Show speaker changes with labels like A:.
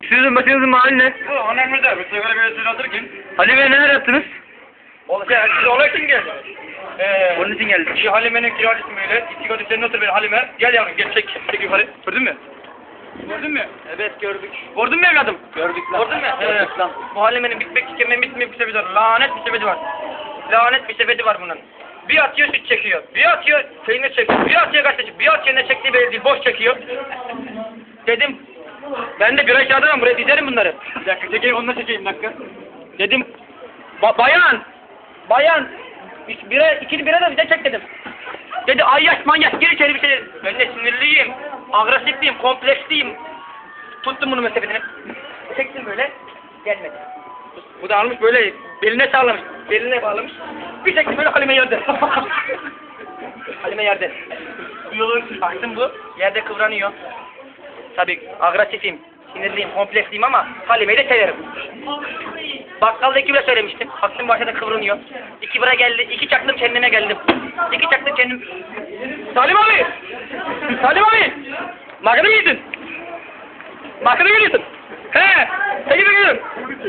A: Sizin başınızın mahalli ne?
B: Bu önemli bir sigara mevzusunu alırken.
A: Halime neler yaptınız?
B: Siz olay için geldiniz.
A: Onun için geldik.
B: Şu Halime'nin kiracısı böyle. İstikati senin otur benim Halime. Gel yavrum gel çek yukarı. Gördün mü? Gördün mü?
A: Evet gördük.
B: Gördün mü evladım?
A: Gördük lan.
B: Gördün mü?
A: Gördük lan.
B: Bu Halime'nin bitmek tükenmeyen bitmeyen bir sepeti var. Lanet bir sepeti var. Lanet bir sepeti var bunun. Bir atıyor süt çekiyor. Bir atıyor peynir çekiyor. Bir atıyor gazete. Bir atıyor ne çektiği belli değil. Boş çekiyor. Dedim. Ben de bira kağıdına buraya dizerim bunları. Bir dakika çekeyim onunla çekeyim bir dakika. Dedim. Bayan. İkili bira da bize çek dedim. Dedi ayyaş manyak gir içeri bir şey. Ben de sinirliyim. Agresifliyim. Kompleksliyim. Tuttum bunu mesafetini. Çektim böyle. Gelmedi. Bu da almış böyle beline sağlamış. Beline bağlamış. Bir çektim böyle Halime yerde. Halime yerde. Baktım bu. Yerde kıvranıyor. Tabii agresifim. Sinirliyim, kompleksliyim ama Halime'yi de severim. Bakkalda 2 bira söylemiştim. Baktım başta kıvranıyor. 2 bira geldi. 2 çaktım kendime geldim. 2 çaktım kendim. Salim abi! Salim abi! Makine mi yedin? Makine mi yedin? He! Seni bekliyorum.